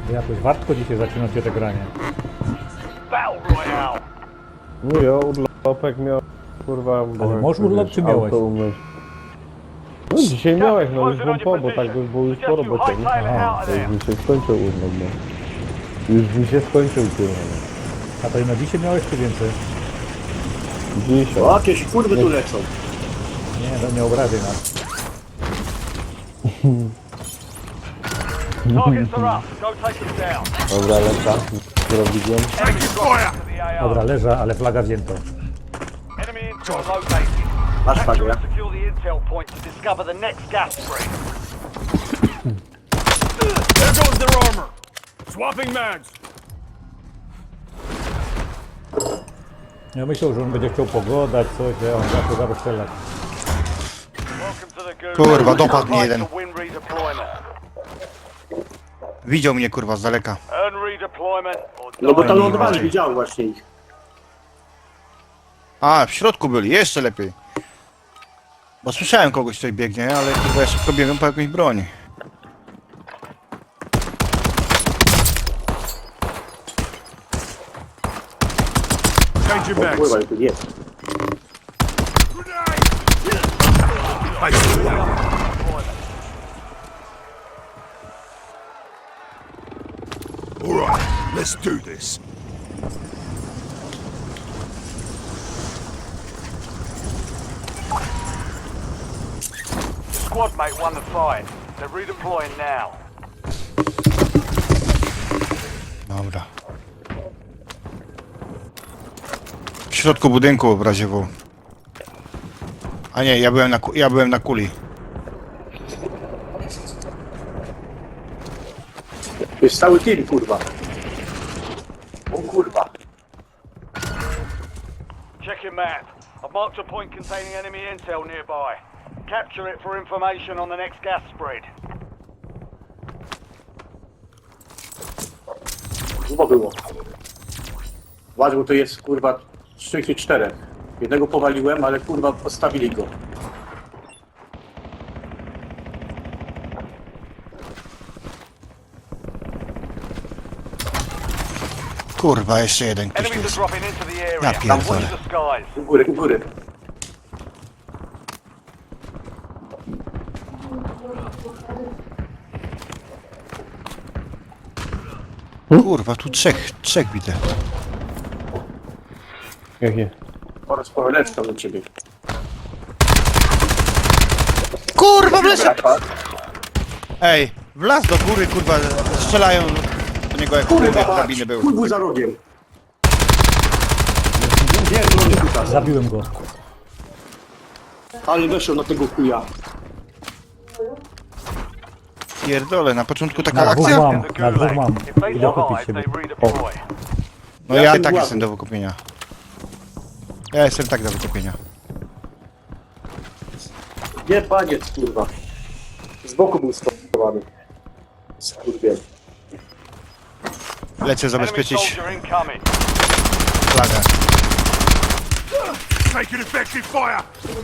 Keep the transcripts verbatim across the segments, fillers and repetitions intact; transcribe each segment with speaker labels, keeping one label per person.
Speaker 1: Jakoś wartko dzisiaj zaczynacie te granie.
Speaker 2: No ja urlopek miał, kurwa, bo
Speaker 1: Ale
Speaker 2: jak
Speaker 1: możesz urlop,
Speaker 2: wiesz,
Speaker 1: czy miałeś?
Speaker 2: auto umyć. No dzisiaj miałeś, no już wam po, bo tak by było już po robocie, nie?
Speaker 1: Aha.
Speaker 2: To już mi się skończył urlop, no. Już mi się skończył, kurwa.
Speaker 1: A to i na dzisiaj miałeś czy więcej?
Speaker 2: Dzisiaj.
Speaker 3: O, jakieś kurwy tu lecą.
Speaker 1: Nie, no nie obrażaj nas.
Speaker 2: Dobra, lecza. Zrobiłem.
Speaker 1: Dobra, leża, ale flaga wzięto.
Speaker 3: Masz flagę.
Speaker 4: There goes their armor. Swapping mags.
Speaker 1: Ja myślał, że on będzie chciał pogodać coś, że on zaczął zaraz strzelać.
Speaker 5: Kurwa, dopadł mnie jeden. Widział mnie, kurwa, z daleka.
Speaker 3: No bo tam lądowali, widziałem właśnie ich.
Speaker 5: A, w środku byli, jeszcze lepiej. Bo słyszałem kogoś, tutaj biegnie, ale kurwa ja szybko biegłem po jakąś broń.
Speaker 4: Change your mags.
Speaker 3: Pływaj, tu jest.
Speaker 4: I see that. All right, let's do this.
Speaker 6: Squad mate won the fight. They're redeploying now.
Speaker 5: Dobra. W środku budynku w razie W. A nie, ja byłem na, ku- ja byłem na kuli.
Speaker 3: To jest cały team, kurwa. O kurwa.
Speaker 6: Check your map. I've marked a point containing enemy intel nearby. Capture it for information on the next gas spread.
Speaker 3: Chyba było. Uważaj, bo to jest kurwa trzy czy czterech. Jednego powaliłem, ale kurwa postawili go.
Speaker 5: Kurwa, jeszcze jeden ktoś tu
Speaker 6: Enemies are
Speaker 5: jest.
Speaker 6: dropping into the area.
Speaker 5: Ja pierdolę.
Speaker 6: Watch the skies.
Speaker 3: U góry, u góry.
Speaker 5: Kurwa, tu trzech, trzech widzę.
Speaker 2: Jakie?
Speaker 3: Oraz powaleczka do ciebie.
Speaker 5: Kurwa, wleciał! Ej, wlazł do góry, kurwa, strzelają do niego jak kurwa
Speaker 3: Kurwa,
Speaker 5: kabiny był.
Speaker 3: chuj był za rogiem. Nie, to nie kuta.
Speaker 1: Zabiłem go.
Speaker 3: Ale weszł na tego chuja.
Speaker 5: Pierdolę, na początku taka
Speaker 1: Na dwóch
Speaker 5: akcja?
Speaker 1: mam, na dwóch mam.
Speaker 6: If they
Speaker 1: Idę kupić
Speaker 6: survive,
Speaker 1: siebie.
Speaker 6: they redeploy.
Speaker 5: No
Speaker 3: Ja
Speaker 5: ja
Speaker 3: ten
Speaker 5: tak
Speaker 3: ładny.
Speaker 5: jestem do wykupienia. Ja jestem tak do wykupienia.
Speaker 3: Nie, paniec, kurwa. Z boku był stopowany. Skurwiel.
Speaker 5: Lecę
Speaker 6: Enemy
Speaker 5: zabezpieczyć
Speaker 6: soldier incoming.
Speaker 5: flagę.
Speaker 4: Taking effective fire.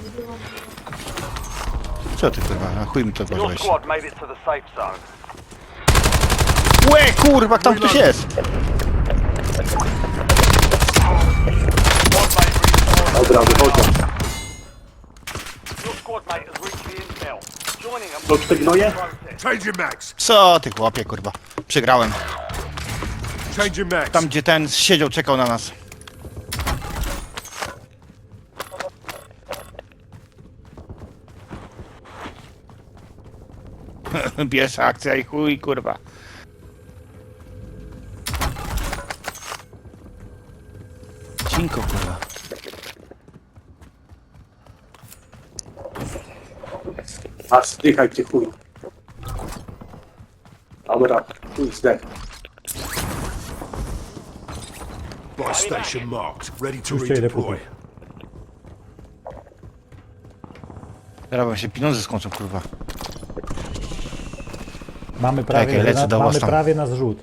Speaker 5: Co ty kurwa, na chuj mi to
Speaker 6: Your
Speaker 5: włożyłeś.
Speaker 6: squad made it to the safe zone.
Speaker 5: Łe kurwa, tam ktoś jest!
Speaker 6: Squad mate redeployed.
Speaker 3: Dobra, wychodzę.
Speaker 6: Your squad mate has reached the intel. Joining them.
Speaker 3: To te gnoje?
Speaker 6: Process.
Speaker 4: Change your mags.
Speaker 5: Co ty chłopie kurwa, przegrałem.
Speaker 4: Change your mags.
Speaker 5: Tam gdzie ten siedział, czekał na nas. Pierwsza akcja i chuj kurwa. Cinko kurwa.
Speaker 3: A zdychaj ty chuj. Dobra, chuj zdech.
Speaker 4: Buy station marked. Ready to
Speaker 1: Już cię idę
Speaker 4: redeploy.
Speaker 1: kupić.
Speaker 5: Teraz wam się pieniądze skończą kurwa.
Speaker 1: Mamy prawie,
Speaker 5: Czekaj, lecę
Speaker 1: na,
Speaker 5: do was
Speaker 1: mamy
Speaker 5: tam.
Speaker 1: prawie na zrzut.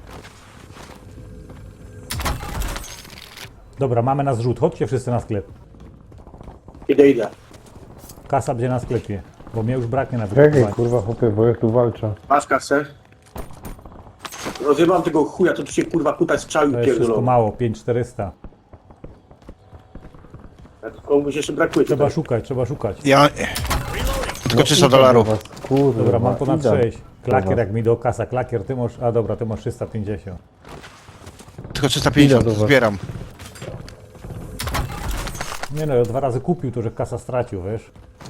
Speaker 1: Dobra, mamy na zrzut. Chodźcie wszyscy na sklep.
Speaker 3: Idę, idę.
Speaker 1: Kasa będzie na sklepie, bo mnie już braknie na
Speaker 2: Czekaj,
Speaker 1: wykupowanie.
Speaker 2: kurwa, chłopie, bo ja tu walczę.
Speaker 3: Masz kasę? Rozjebałem tego chuja, to tu się kurwa kuta strzał i
Speaker 1: To jest wszystko
Speaker 3: pierdolą.
Speaker 1: mało, pięć czterysta.
Speaker 3: Komuś jeszcze brakuje.
Speaker 1: Trzeba
Speaker 3: tutaj.
Speaker 1: szukać, trzeba szukać.
Speaker 5: Ja... Tylko trzysta dolarów.
Speaker 2: Was, kurwa,
Speaker 1: Dobra, mam ponad
Speaker 2: idę.
Speaker 1: sześć. Klakier
Speaker 2: Dobra.
Speaker 1: jak mi do kasa, klakier ty masz... A dobra, ty masz trzysta pięćdziesiąt.
Speaker 5: Tylko trzysta pięćdziesiąt
Speaker 2: Idę do was.
Speaker 5: zbieram.
Speaker 1: Nie no, ja dwa razy kupił, to że kasa stracił, wiesz?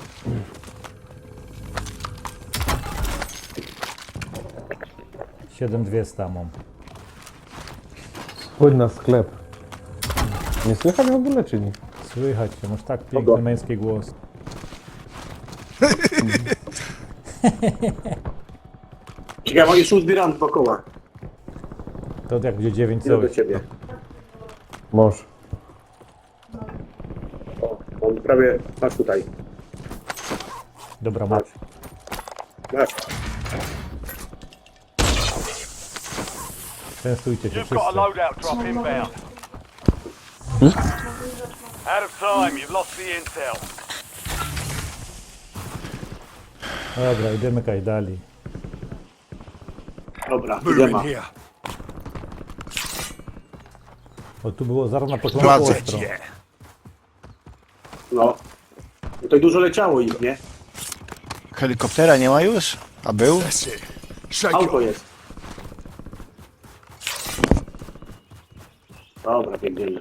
Speaker 1: siedem dwieście mam.
Speaker 2: Chodź na sklep. Nie słychać w ogóle, czy nie?
Speaker 1: Słychać cię, masz tak piękny męski głos.
Speaker 3: Ciekawe, jeszcze uzbieram dwa koła.
Speaker 1: To jak będzie dziewięć
Speaker 3: Idę do
Speaker 1: coś.
Speaker 3: ciebie.
Speaker 2: Mąż.
Speaker 3: O, on prawie... Masz tutaj.
Speaker 1: Dobra, masz.
Speaker 3: Masz.
Speaker 1: Częstujcie się
Speaker 6: You've got a
Speaker 1: wszyscy.
Speaker 6: loadout drop inbound. Out of time, you've lost the intel.
Speaker 1: Dobra, idziemy kajdali.
Speaker 3: Dobra, idę ma.
Speaker 4: Moving here.
Speaker 1: Bo tu było zaraz na początku
Speaker 5: Władzy.
Speaker 1: ostro.
Speaker 4: Yeah.
Speaker 3: No. Tutaj dużo leciało ich, nie?
Speaker 5: Helikoptera nie ma już? A był?
Speaker 4: That's it. Shake it
Speaker 3: Auto
Speaker 4: off.
Speaker 3: jest. Dobra, biegniemy.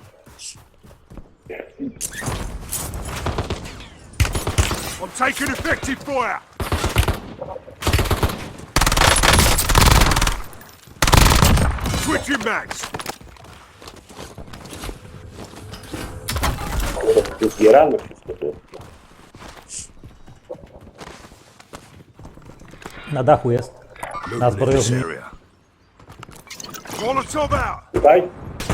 Speaker 4: I'm taking effective fire. Switching mags.
Speaker 3: Zbieramy wszystko tu.
Speaker 1: Na dachu jest. Na
Speaker 4: Moving in this
Speaker 1: zbrojowni.
Speaker 4: area. Molotov out.
Speaker 3: Tutaj?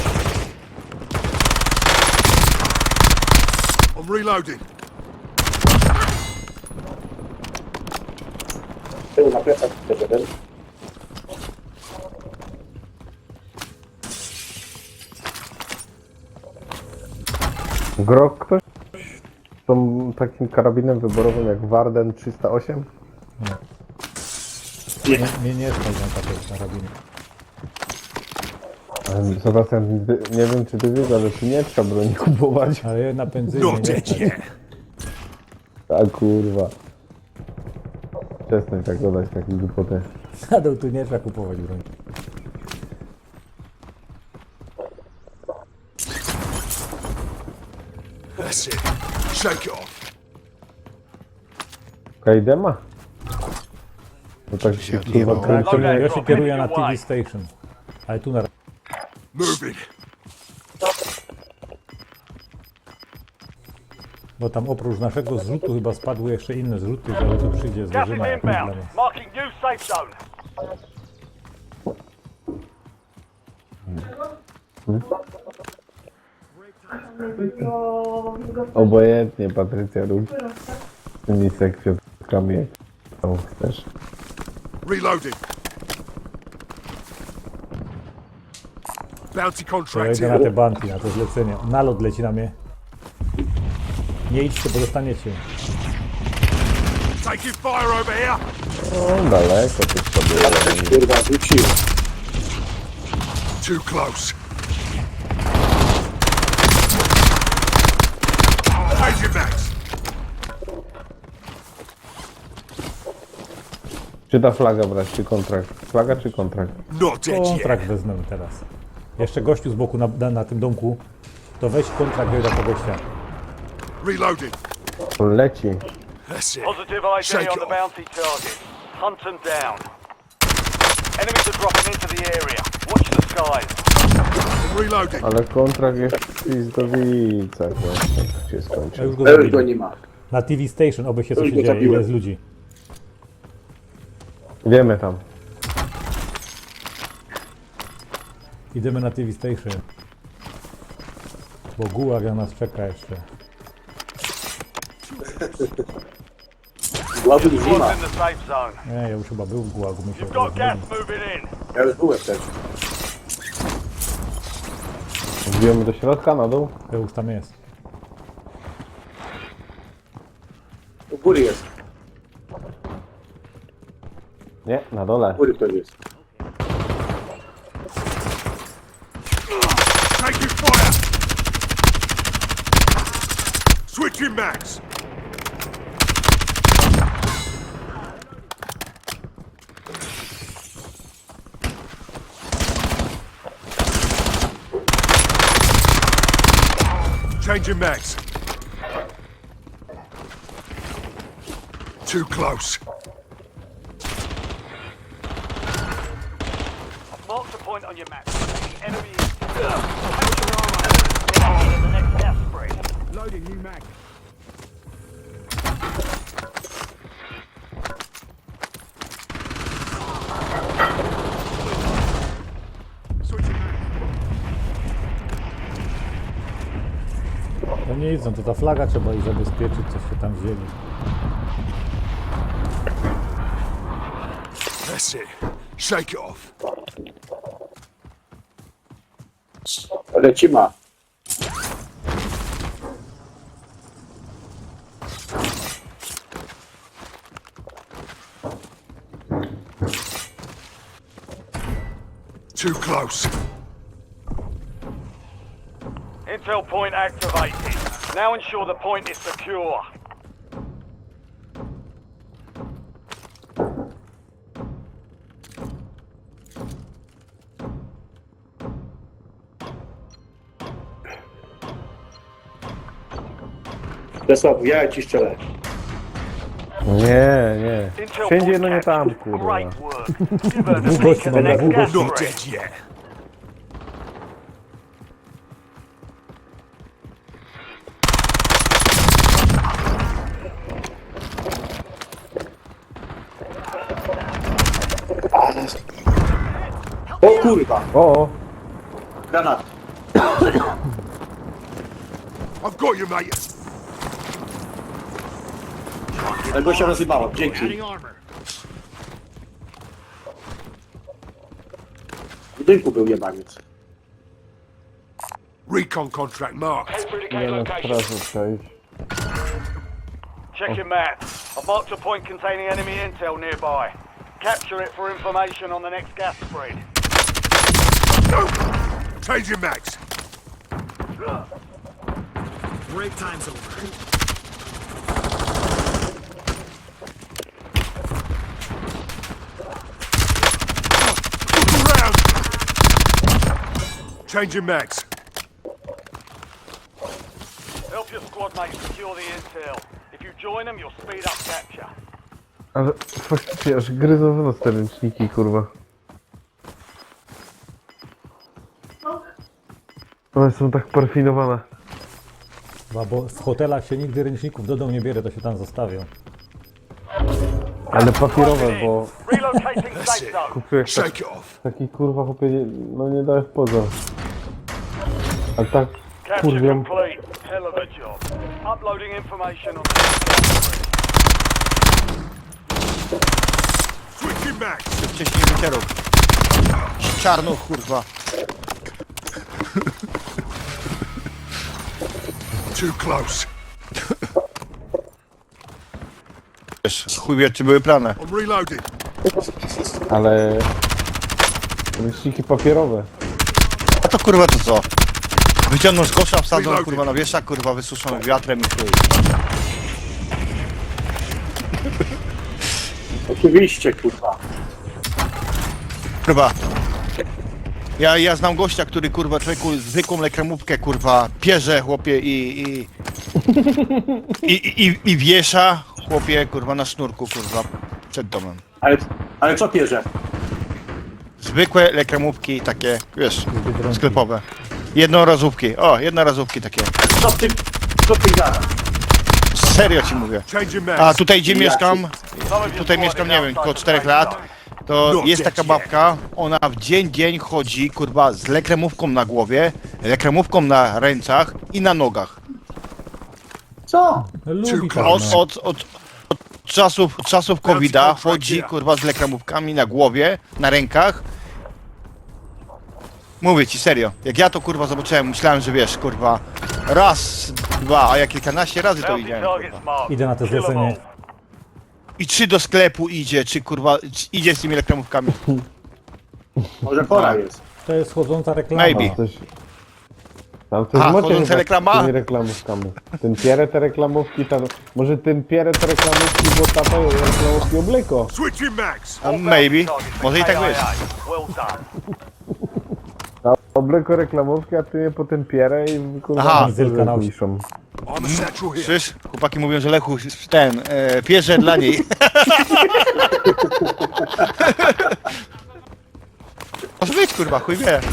Speaker 4: I'm reloading.
Speaker 3: Tył na plecach też jeden.
Speaker 2: Grok ktoś? Z tą takim karabinem wyborowym jak Warden trzysta osiem?
Speaker 1: Mnie nie stać na takie karabiny.
Speaker 2: Ale Sebastian, ty- nie wiem czy ty wiesz, ale tu nie trzeba broni kupować.
Speaker 1: Ale je na benzynie
Speaker 4: Not
Speaker 1: nie
Speaker 4: dead
Speaker 1: stać.
Speaker 4: yet.
Speaker 2: A kurwa. Przestań tak dodać takie głupoty.
Speaker 1: Na dół tu nie trzeba kupować broń.
Speaker 4: That's it. Shake it off.
Speaker 2: Kajdema? No tak się kurwa kręcimy.
Speaker 1: Ja się kieruję na T V Station. Ale tu na...
Speaker 4: Moving.
Speaker 1: Bo tam oprócz naszego zrzutu chyba spadły jeszcze inne zrzuty, ale tu przyjdzie
Speaker 6: Gas is
Speaker 1: zderzyna jak
Speaker 6: inbound.
Speaker 1: problemy.
Speaker 6: Marking new safe zone.
Speaker 2: Obojętnie Patrycja rób. Z tymi sekwiatkami jak tam chcesz.
Speaker 4: Reloading. Bounty
Speaker 1: To ja
Speaker 4: contract
Speaker 1: idę na
Speaker 4: here.
Speaker 1: te banki, na to zlecenie. Nalot leci na mnie. Nie idźcie, bo dostaniecie.
Speaker 4: Taking fire over here.
Speaker 2: No daleko ty sobie.
Speaker 3: Kurwa, wrócił.
Speaker 4: Too close. Changing mags.
Speaker 2: Czy ta flaga brać, czy kontrakt? Flaga czy kontrakt?
Speaker 4: Not dead yet.
Speaker 1: Kontrakt wezmę teraz. Jeszcze gościu z boku na, na, na tym domku. To weź kontrakt do tego gościa.
Speaker 4: Reloading.
Speaker 2: Leci.
Speaker 4: That's it.
Speaker 6: Positive I D
Speaker 4: Shake
Speaker 6: on
Speaker 4: it
Speaker 6: the
Speaker 4: off.
Speaker 6: bounty target. Hunt them down. Enemies are dropping into the area. Watch the skies.
Speaker 4: Reloading.
Speaker 2: Ale kontrakt jest w Pizdowicach właśnie. Tak się
Speaker 1: Ja
Speaker 2: skończył.
Speaker 1: już go
Speaker 3: To już go
Speaker 1: zabiłem.
Speaker 3: nie ma.
Speaker 1: Na T V Station, oby się
Speaker 3: To
Speaker 1: coś
Speaker 3: już go
Speaker 1: dzieje, ile
Speaker 3: zabiłem.
Speaker 1: jest ludzi.
Speaker 2: Wiemy tam.
Speaker 1: Idziemy na T V Station. Bo gułag na nas czeka jeszcze.
Speaker 3: Głazu już nie ma.
Speaker 6: Squad's in the safe zone.
Speaker 1: Nie, ja już chyba był w gułagu, my się
Speaker 6: You've got gas
Speaker 1: rozmawiamy.
Speaker 6: moving in.
Speaker 3: Ja już byłem też.
Speaker 2: Wbijemy do środka, na dół?
Speaker 1: To już tam jest.
Speaker 3: U góry jest.
Speaker 2: Nie, na dole.
Speaker 3: U góry ktoś jest.
Speaker 4: Switching mags. Changing mags. Too close.
Speaker 6: Mark the point on your map. The enemy is... The next gas spread.
Speaker 4: Loading new mag. Switching mags.
Speaker 1: To nie idą, to ta flaga trzeba ich zabezpieczyć, coś się tam wzięli.
Speaker 4: That's it. Shake it off.
Speaker 3: Lecimy.
Speaker 4: Too close.
Speaker 6: Intel point activated. Now ensure the point is secure.
Speaker 3: Czesław, ja ci strzelę.
Speaker 2: Nie, nie.
Speaker 6: Intel
Speaker 2: Wszędzie,
Speaker 6: point
Speaker 2: no nie tam,
Speaker 6: captured.
Speaker 2: kurwa.
Speaker 6: Great work. Give her the
Speaker 1: Dwóch
Speaker 6: sneak
Speaker 1: gości
Speaker 6: of the
Speaker 1: mamy,
Speaker 6: next
Speaker 1: dwóch
Speaker 6: gas
Speaker 1: gości.
Speaker 4: Not
Speaker 6: spread.
Speaker 4: dead yet.
Speaker 3: O kurwa,
Speaker 2: O, o.
Speaker 3: granat.
Speaker 4: I've got you, mate.
Speaker 3: Tego się rozjebało, dzięki. W budynku był jebaniec.
Speaker 4: Recon contract marked.
Speaker 2: Nie na straży przejść.
Speaker 6: Check your map. I've marked a point containing enemy intel nearby. Capture it for information on the next gas spread.
Speaker 4: Changing mags.
Speaker 7: Break time's over.
Speaker 4: Look around. Changing mags.
Speaker 6: Help your squad mates secure the intel. If you join them, you'll speed up capture.
Speaker 2: Ale faktycznie aż gryzą w nos te ręczniki, kurwa. One są tak parfinowane.
Speaker 1: Chyba, bo w hotelach się nigdy ręczników do domu nie bierze, to się tam zostawią.
Speaker 2: Ale papierowe, bo
Speaker 6: Relocating
Speaker 4: That's
Speaker 6: safe
Speaker 4: it.
Speaker 6: zone.
Speaker 2: kupiłeś tak,
Speaker 4: Shake it off.
Speaker 2: taki kurwa chłopie, nie- no nie dałeś poza. Ale tak
Speaker 6: Capture
Speaker 2: kurwią.
Speaker 6: complete. Hell of a job. Uploading information on the next gas spread.
Speaker 4: Switching mags.
Speaker 5: Wcześniej wycierów. Czarnuch, kurwa.
Speaker 4: Too close.
Speaker 5: Wiesz, chuj wie, czy były plany.
Speaker 4: I'm reloading.
Speaker 2: Ale ręczniki papierowe.
Speaker 5: A to kurwa to co? Wyciągną z kosza, wsadzą kurwa na wieszak, kurwa wysuszą wiatrem i chuj.
Speaker 3: Oczywiście, kurwa.
Speaker 5: Kurwa. Ja, ja znam gościa, który kurwa człowieku zwykłą lekremówkę kurwa pierze chłopie i i, i, i, i wiesza chłopie kurwa na sznurku kurwa przed domem.
Speaker 3: Ale, ale co pierze?
Speaker 5: Zwykłe lekremówki takie, wiesz,
Speaker 1: Biedronki.
Speaker 5: sklepowe. Jednorazówki, o, jednorazówki takie.
Speaker 3: Co ty, co ty gadasz?
Speaker 5: Serio ci mówię.
Speaker 4: Changing
Speaker 5: A
Speaker 4: mags.
Speaker 5: tutaj gdzie
Speaker 3: Ja
Speaker 5: mieszkam,
Speaker 6: Some of your
Speaker 5: tutaj
Speaker 6: squad
Speaker 5: mieszkam,
Speaker 6: is
Speaker 5: nie wiem,
Speaker 6: outside
Speaker 5: około
Speaker 6: the
Speaker 5: czterech
Speaker 6: safe
Speaker 5: lat,
Speaker 6: zone.
Speaker 5: to
Speaker 4: No,
Speaker 5: jest taka
Speaker 4: dzieci.
Speaker 5: babka, ona w dzień dzień chodzi, kurwa, z lekremówką na głowie, lekremówką na rękach i na nogach.
Speaker 3: Co?
Speaker 1: Lubi
Speaker 4: Too
Speaker 1: tak,
Speaker 5: Od,
Speaker 1: no.
Speaker 5: od, od, od czasów, od czasów kowida chodzi, kurwa, z lekremówkami na głowie, na rękach. Mówię ci serio, jak ja to kurwa zobaczyłem, myślałem, że wiesz, kurwa, raz, dwa, a ja kilkanaście razy to
Speaker 6: Bounty
Speaker 5: widziałem,
Speaker 6: targets
Speaker 5: kurwa.
Speaker 6: marked.
Speaker 1: Idę na to
Speaker 6: Kill 'em
Speaker 1: zlecenie.
Speaker 6: all.
Speaker 5: I czy do sklepu idzie, czy kurwa, czy idzie z tymi lekremówkami.
Speaker 3: Może pora jest.
Speaker 1: To jest chodząca reklama.
Speaker 5: Maybe.
Speaker 2: Coś, Tam coś
Speaker 5: A,
Speaker 2: macie
Speaker 5: chodzące
Speaker 2: chyba z
Speaker 5: reklama?
Speaker 2: tymi reklamówkami. Ten pierę te reklamówki, tam, może ten pierę te reklamówki, bo tata reklamówki obleko.
Speaker 4: Switching mags.
Speaker 5: A maybe. Może i tak być.
Speaker 6: Well done.
Speaker 2: A obleko reklamówki, a ty je potem pierę i kurwa
Speaker 5: Aha.
Speaker 2: na
Speaker 1: Zylka na osi.
Speaker 2: piszą.
Speaker 4: I'm a satchel here.
Speaker 5: Słyszysz? Chłopaki mówią, że Lechu ten, e, pierze dla niej. Może być kurwa, chuj wie.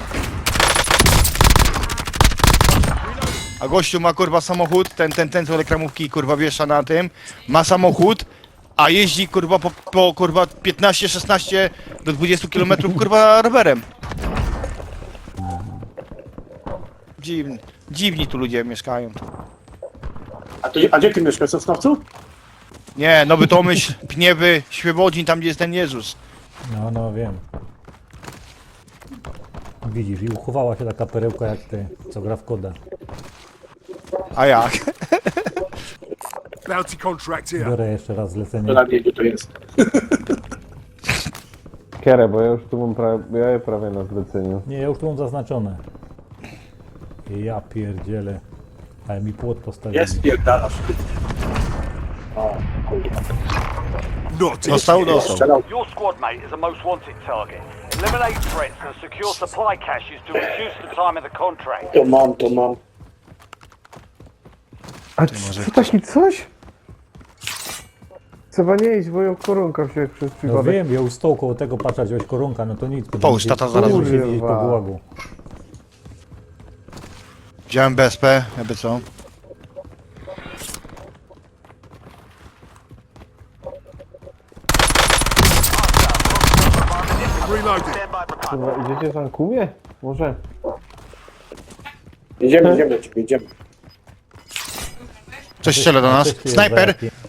Speaker 5: A gościu ma kurwa samochód, ten, ten, ten co reklamówki kurwa wiesza na tym, ma samochód, a jeździ kurwa po, po kurwa piętnaście, szesnaście do dwudziestu kilometrów kurwa rowerem. Dziwni, dziwni tu ludzie mieszkają.
Speaker 3: A, to, a gdzie ty mieszkasz, w Sosnowcu?
Speaker 5: Nie, Nowy Tomyśl, Pniewy, Świebodzin, tam gdzie jest ten Jezus.
Speaker 1: No, no wiem. Widzisz, i uchowała się taka perełka jak ty, co gra w koda.
Speaker 5: A jak?
Speaker 4: Bounty contract here.
Speaker 1: Biorę jeszcze raz zlecenie.
Speaker 3: To na mnie, gdzie to jest.
Speaker 2: Kierę, bo ja już tu mam prawie, ja je prawie na zleceniu.
Speaker 1: Nie, ja już tu mam zaznaczone. Ja pierdzielę. Ale mi płot postawili.
Speaker 3: Jest, pierdalasz. O, kurwa.
Speaker 4: Not it.
Speaker 5: Dostał, dostał.
Speaker 3: Strzelał.
Speaker 6: Your squad mate is a most wanted target. Eliminate threats and secure supply caches to reduce the time of the contract.
Speaker 3: To mam, to mam.
Speaker 2: A co taki coś? Trzeba nie iść, bo ją koronka się przez
Speaker 1: No
Speaker 2: przypadek.
Speaker 1: wiem, ja już stał koło tego patrzeć, wziąłeś koronka, no to nic.
Speaker 5: Połóż, tata zaraz
Speaker 1: Muszę
Speaker 2: wróci.
Speaker 1: siedzieć po
Speaker 2: Kurwa.
Speaker 1: gułagu.
Speaker 5: Wziąłem B S P, jakby co?
Speaker 4: Reloading.
Speaker 2: Kurwa, idziecie tam ku mnie? Może?
Speaker 3: Idziemy, idziemy do ciebie, idziemy.
Speaker 5: Coś strzela do nas.
Speaker 1: Coś tu jest
Speaker 5: Snajper!
Speaker 1: za jaki-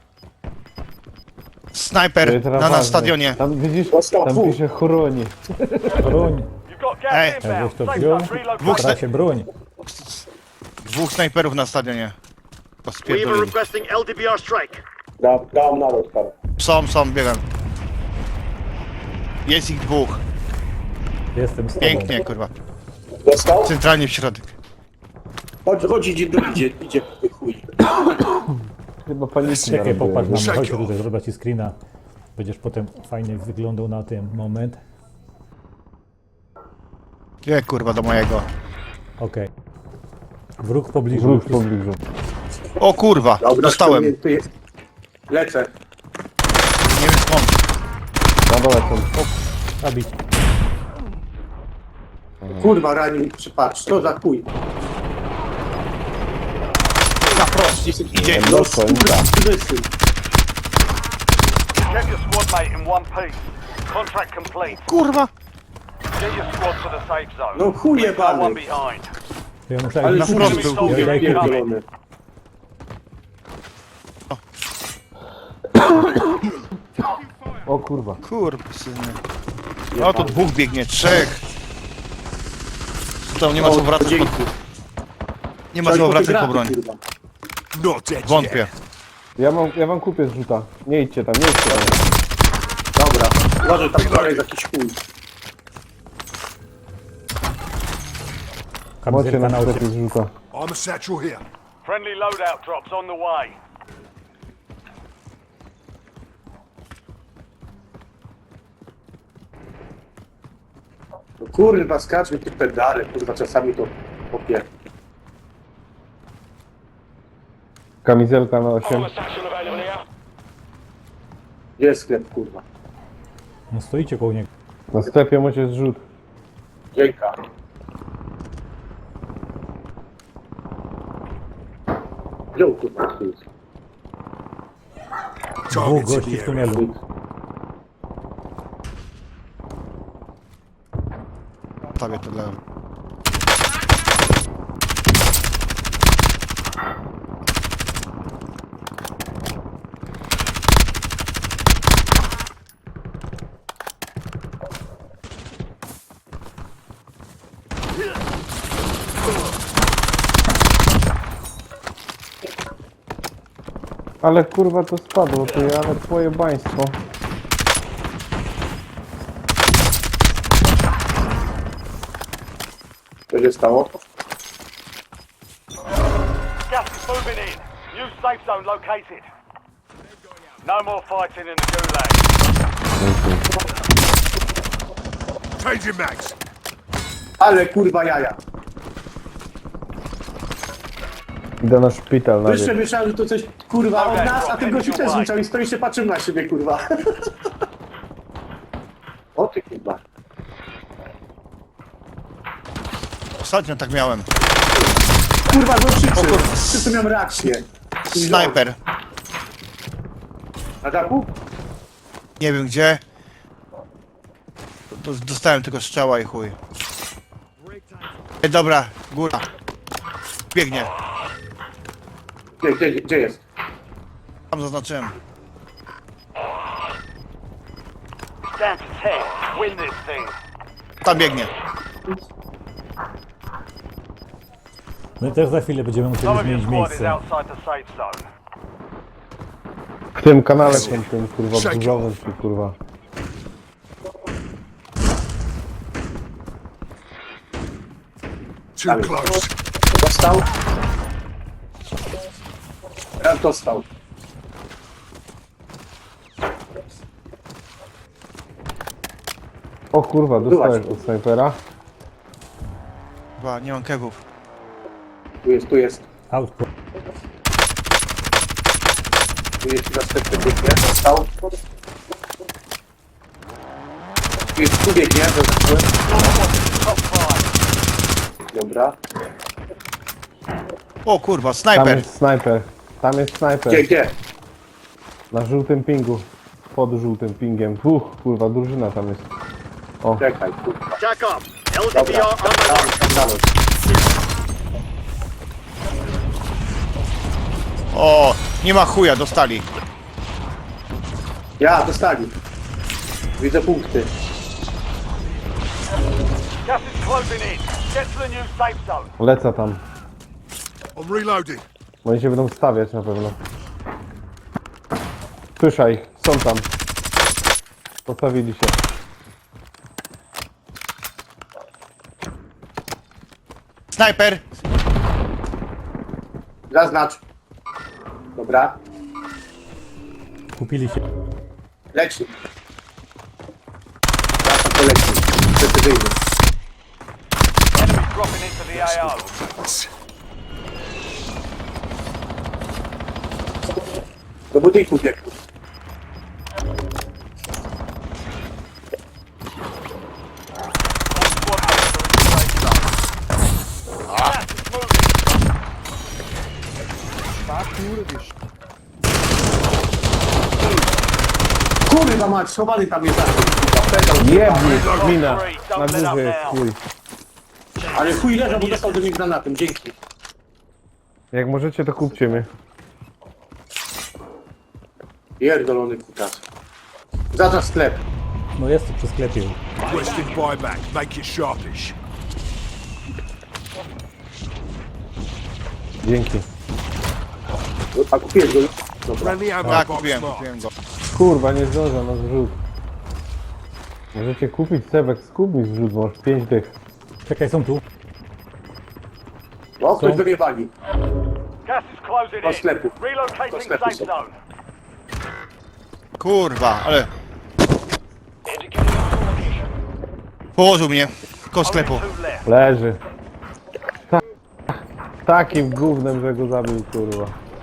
Speaker 5: Snajper
Speaker 2: To teraz
Speaker 5: na
Speaker 2: ważne.
Speaker 5: nas stadionie.
Speaker 2: Tam widzisz,
Speaker 3: Dostał
Speaker 2: tam
Speaker 3: dwóch.
Speaker 2: pisze chroni.
Speaker 1: Broń,
Speaker 6: You've got
Speaker 5: Hey.
Speaker 6: gas
Speaker 1: jakbyś
Speaker 6: inbound.
Speaker 1: to
Speaker 6: Safe
Speaker 1: wziął,
Speaker 6: zone relocated.
Speaker 5: Dwóch
Speaker 1: da się broń.
Speaker 5: Dwóch snajperów na stadionie. Pospierdolili.
Speaker 7: requesting L D B R strike.
Speaker 3: Da, dałem nalot, parę.
Speaker 5: Są, są, biegam. Jest ich dwóch.
Speaker 1: Jestem z tobą.
Speaker 5: Pięknie, kurwa.
Speaker 3: Dostał?
Speaker 5: Centralnie w środek.
Speaker 3: Chodź, chodź, idzie, idzie, idzie, chuj.
Speaker 2: Chyba paniki
Speaker 1: Czekaj,
Speaker 2: narobiłem.
Speaker 1: popatrz na mnie,
Speaker 4: Shake
Speaker 1: chodź
Speaker 4: off.
Speaker 1: tutaj, zrobię ci screena. Będziesz potem fajnie wyglądał na ten moment.
Speaker 5: Nie, kurwa, do mojego.
Speaker 1: Okej. Wróg w pobliżu.
Speaker 2: Wróg w
Speaker 1: już jest-
Speaker 2: pobliżu.
Speaker 5: O kurwa,
Speaker 3: Dobra,
Speaker 5: dostałem.
Speaker 3: ściągnięty jest. Lecę.
Speaker 5: Nie wiem skąd.
Speaker 2: Na dole są.
Speaker 1: Zabić.
Speaker 3: Kurwa, ranił, patrz, co za chuj.
Speaker 5: Na prost, idzie.
Speaker 3: No,
Speaker 2: Dostał,
Speaker 3: kurwa, syn.
Speaker 6: Get your squad mate in one piece. Contract complete.
Speaker 5: Kurwa.
Speaker 6: Get your squad to the safe zone.
Speaker 3: No chuj
Speaker 6: Leave no one
Speaker 3: jebany.
Speaker 6: behind.
Speaker 1: Ja muszę
Speaker 3: Ale
Speaker 1: na
Speaker 3: chuj
Speaker 5: wprost
Speaker 3: był,
Speaker 5: był,
Speaker 3: chuj,
Speaker 1: ja idę kupić.
Speaker 3: pierdolony.
Speaker 2: O kurwa.
Speaker 5: Kurwa, syny. No to dwóch biegnie, trzech. To nie ma co wracać po,
Speaker 3: Dzięki.
Speaker 5: nie ma co wracać po broń.
Speaker 3: Kurwa.
Speaker 4: Not dead yet.
Speaker 5: Wątpię.
Speaker 2: Ja, mam, ja wam kupię zrzuta. Nie idźcie tam, nie idźcie tam.
Speaker 3: Dobra, uważaj, tam dalej jest jakiś chuj.
Speaker 2: Macie
Speaker 1: kamizelka
Speaker 2: na
Speaker 1: na ocie.
Speaker 2: sklepie zrzuta.
Speaker 4: I'm a satchel here.
Speaker 6: Friendly loadout drops on the way.
Speaker 3: No kurwa, skacz mi te pedale, kurwa, czasami to popie.
Speaker 2: Kamizelka na osiem.
Speaker 3: Gdzie jest sklep, kurwa?
Speaker 1: No stoicie koło niego.
Speaker 2: Na sklepie macie zrzut.
Speaker 3: Dzięka. Wziął, kurwa, chuj.
Speaker 1: Dwóch
Speaker 4: Targets in
Speaker 1: gości
Speaker 4: the
Speaker 1: w
Speaker 4: area.
Speaker 1: tunelu.
Speaker 5: Stawię to dla...
Speaker 2: Ale kurwa to spadło, ty, ale twoje baństwo.
Speaker 3: Co się stało?
Speaker 6: Gas is moving in. New safe zone located. No more fighting in the gulag.
Speaker 4: Changing mags.
Speaker 3: Ale kurwa jaja.
Speaker 2: Idę na szpital na
Speaker 3: Jeszcze myślałem, że to coś kurwa od nas, a ten gościu też rzucał i stoi się patrzył na siebie kurwa. O ty kurwa.
Speaker 5: Ostatnio tak miałem.
Speaker 3: Kurwa, no krzyczy. Wszyscy miałem reakcję.
Speaker 5: Snajper.
Speaker 3: Na dachu?
Speaker 5: Nie wiem gdzie. To dostałem tylko strzała i chuj. Ej, dobra, góra. Biegnie.
Speaker 3: Gdzie, gdzie, gdzie jest?
Speaker 5: Tam zaznaczyłem.
Speaker 6: Down to ten. Win this thing.
Speaker 5: Tam biegnie.
Speaker 1: My też za chwilę będziemy musieli
Speaker 6: Some of your
Speaker 1: zmienić
Speaker 6: squad is
Speaker 1: miejsce.
Speaker 6: outside the safe zone.
Speaker 2: W tym kanale są tym kurwa burzowym czy kurwa.
Speaker 4: Too close.
Speaker 3: Dostał? Ja dostał.
Speaker 2: O kurwa, dostałeś od snajpera.
Speaker 5: Chyba nie mam kewów.
Speaker 3: Tu jest, tu jest.
Speaker 1: Autko.
Speaker 3: Tu jest następny biegnie. Dostał. Tu jest, tu biegnie, zaznaczyłem.
Speaker 6: Top five.
Speaker 3: Dobra.
Speaker 5: O kurwa,
Speaker 2: Tam
Speaker 5: snajper.
Speaker 2: jest snajper. Tam jest snajper.
Speaker 3: Gdzie, gdzie?
Speaker 2: Na żółtym pingu. Pod żółtym pingiem. Uch, kurwa, drużyna tam jest.
Speaker 3: Czekaj, kurwa.
Speaker 6: Jack up.
Speaker 3: Dobra, tam, tam dalej.
Speaker 5: O, nie ma chuja, dostali.
Speaker 3: Ja, dostali. Widzę punkty.
Speaker 6: Gas is closing in. Get to the new safe zone.
Speaker 2: Lecę tam.
Speaker 4: I'm reloading.
Speaker 2: Oni się będą stawiać na pewno. Słyszaj, ich, są tam. Postawili się.
Speaker 5: Snajper.
Speaker 3: Zaznacz. Dobra.
Speaker 1: Kupili się.
Speaker 3: Leci. Teraz to leci. Precyzyjnie.
Speaker 6: Enemy dropping into the A O.
Speaker 3: Do budynku biegł.
Speaker 6: Squad mates are in the safe zone. Gas is moving.
Speaker 3: Kurwa mać, schowany tam jest. Kurwa, pedał.
Speaker 2: Jebni, mina. Na
Speaker 6: Don't let up
Speaker 2: górze jest
Speaker 6: now.
Speaker 2: chuj.
Speaker 3: Ale chuj leżał, bo dostał do mnie granatem. Dzięki.
Speaker 2: Jak możecie, to kupcie mnie.
Speaker 3: Pierdolony kutas. Zaznacz sklep.
Speaker 1: No jest tu przy sklepie.
Speaker 4: Requesting buyback. Make it sharpish.
Speaker 2: Dzięki.
Speaker 3: A kupiłeś go? Dobra.
Speaker 4: Friendly ammo
Speaker 5: Tak,
Speaker 4: box
Speaker 5: kupiłem,
Speaker 4: marked.
Speaker 5: kupiłem go.
Speaker 2: Kurwa, nie zdążę na zrzut. Możecie kupić Sebek, skup mi zrzut, bo masz pięć dych.
Speaker 1: Czekaj, są tu.
Speaker 3: O, ktoś
Speaker 1: Są.
Speaker 3: do mnie wali.
Speaker 6: Gas is closing
Speaker 3: Do
Speaker 6: in.
Speaker 3: sklepu. Do
Speaker 6: Relocating
Speaker 3: sklepu
Speaker 6: safe
Speaker 3: są.
Speaker 6: zone.
Speaker 5: Kurwa, ale... Położył mnie. Koło sklepu.
Speaker 6: Only two left.
Speaker 2: Leży. Ta takim gównem, że go zabił, kurwa.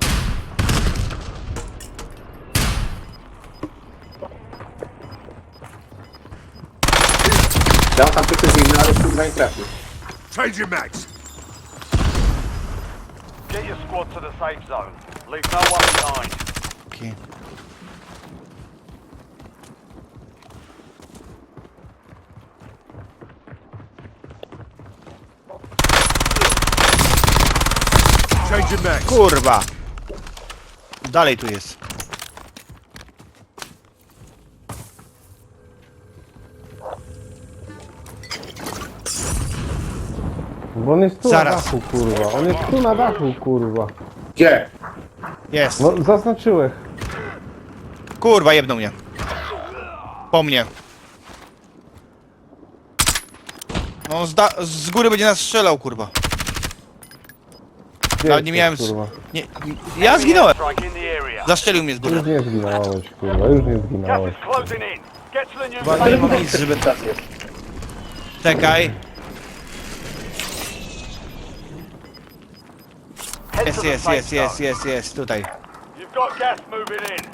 Speaker 3: Dał tam precyzyjny, ale kurwa nie trafił.
Speaker 4: Changing mags.
Speaker 6: Get your squad to the safe zone. Leave no one behind.
Speaker 5: Okej.
Speaker 4: Changing mags.
Speaker 5: Kurwa. Dalej tu jest.
Speaker 2: Bo on jest tu
Speaker 5: Zaraz.
Speaker 2: na dachu, kurwa. On jest tu na dachu, kurwa.
Speaker 3: Gdzie?
Speaker 5: Jest.
Speaker 2: No, zaznaczyłeś.
Speaker 5: Kurwa, jebnął mnie. Po mnie. No z, da- z góry będzie nas strzelał, kurwa.
Speaker 2: Gdzie
Speaker 5: Nawet nie
Speaker 2: jesteś,
Speaker 5: miałem...
Speaker 2: kurwa?
Speaker 5: Nie, ja zginąłem.
Speaker 6: Strike in the area.
Speaker 5: Zastrzelił mnie z góry.
Speaker 2: Już nie zginąłeś, kurwa, już nie
Speaker 6: Gas
Speaker 2: zginąłeś.
Speaker 6: is closing in. Get to the new
Speaker 5: Chyba nie mam nic, żeby...
Speaker 3: Tak jest.
Speaker 5: Czekaj.
Speaker 6: Head to
Speaker 5: Jest,
Speaker 6: the
Speaker 5: jest,
Speaker 6: safe
Speaker 5: jest, jest,
Speaker 6: zone.
Speaker 5: jest, jest, tutaj.
Speaker 6: You've got gas moving in.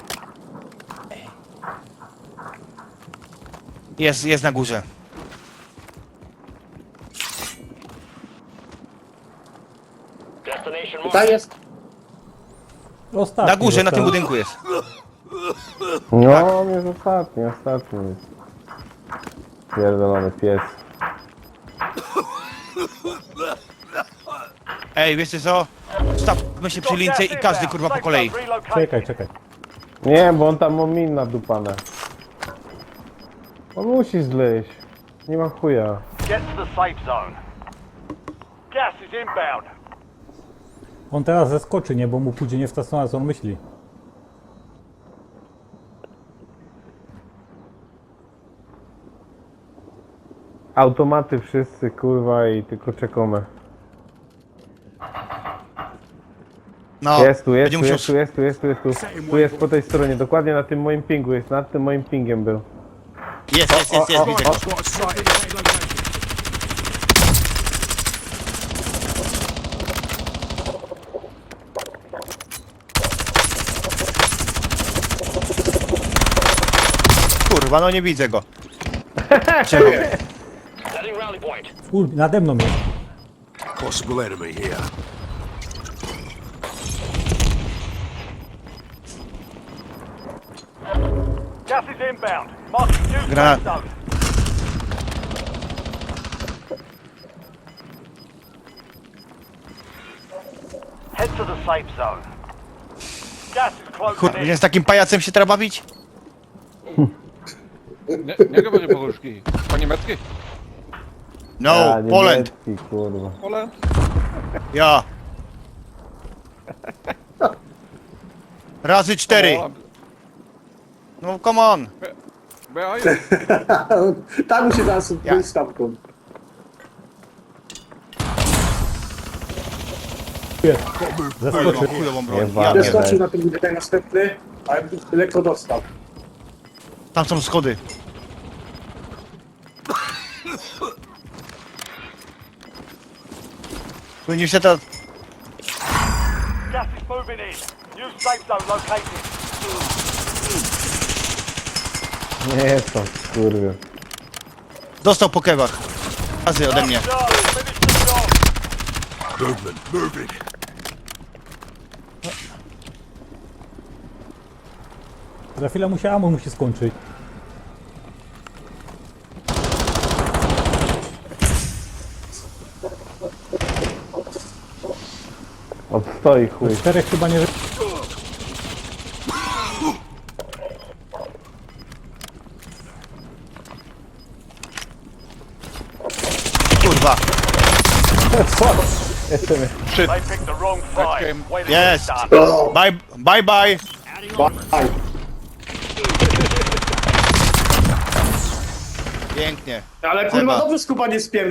Speaker 5: Jest, jest na górze.
Speaker 3: Tutaj jest.
Speaker 1: Ostatni,
Speaker 5: Na górze, na tym
Speaker 1: ostatni.
Speaker 5: budynku jest.
Speaker 2: No, on jest ostatni, ostatni jest. Pierdolony pies.
Speaker 5: Ej, wiecie co? Stawmy się przy lince i każdy kurwa po kolei.
Speaker 1: Czekaj, czekaj.
Speaker 2: Nie, bo on tam ma min nadupane. On musi zleść. Nie ma chuja.
Speaker 6: Get to the safe zone. Gas is inbound.
Speaker 1: On teraz zeskoczy, nie? Bo mu pójdzie nie w ta strona, co on myśli.
Speaker 2: Automaty wszyscy, kurwa, i tylko czekamy.
Speaker 5: No,
Speaker 2: Jest tu, jest
Speaker 5: będzie
Speaker 2: tu,
Speaker 5: musiał...
Speaker 2: jest tu, jest tu, jest tu, jest tu. Tu jest po tej stronie, dokładnie na tym moim pingu jest, nad tym moim pingiem był.
Speaker 5: Jest, jest, jest, jest, widzę go.
Speaker 7: Squad strike in the location.
Speaker 5: Kurwa, no nie widzę go.
Speaker 1: Ul, nade mną jest.
Speaker 4: Possible enemy here.
Speaker 6: Gas is inbound. Marking new
Speaker 5: Granat.
Speaker 6: safe zone. Head to the safe zone. Gas is closing
Speaker 5: Kurwa,
Speaker 6: in.
Speaker 5: nie z takim pajacem się trzeba bawić?
Speaker 8: Nie, nie panie Boguszki. Po niemiecki?
Speaker 5: No,
Speaker 2: A,
Speaker 5: Poland.
Speaker 2: niemiecki, kurwa.
Speaker 8: Poland?
Speaker 5: Ja. Razy cztery. No, come on.
Speaker 8: B A jest.
Speaker 3: Tam mu się zaraz ja. stamtąd.
Speaker 1: Jest. Zeskoczy.
Speaker 5: Chujową broń.
Speaker 2: Nie
Speaker 5: Ja
Speaker 2: walę.
Speaker 5: pierdolę.
Speaker 3: Zeskoczył na ten budynek następny, ale lekko dostał.
Speaker 5: Tam są schody. Powinien się to...
Speaker 6: Gas is moving in. New safe zone located.
Speaker 2: Nie jest to, kurwa.
Speaker 5: Dostał po kewach. Razy ode mnie.
Speaker 6: Charlie, finish the job.
Speaker 4: Movement, moving.
Speaker 1: Za chwilę mu się ammo musi skończyć.
Speaker 2: Odstoi chuj.
Speaker 1: Czterech chyba nie...
Speaker 5: Kurwa.
Speaker 6: They picked the wrong fight. Way to get
Speaker 5: Yes.
Speaker 6: it done.
Speaker 5: Bye, bye, bye.
Speaker 3: Bye.
Speaker 5: Pięknie.
Speaker 3: Ale kurwa
Speaker 5: Chyba.
Speaker 3: dobrze skupa nie spierdol.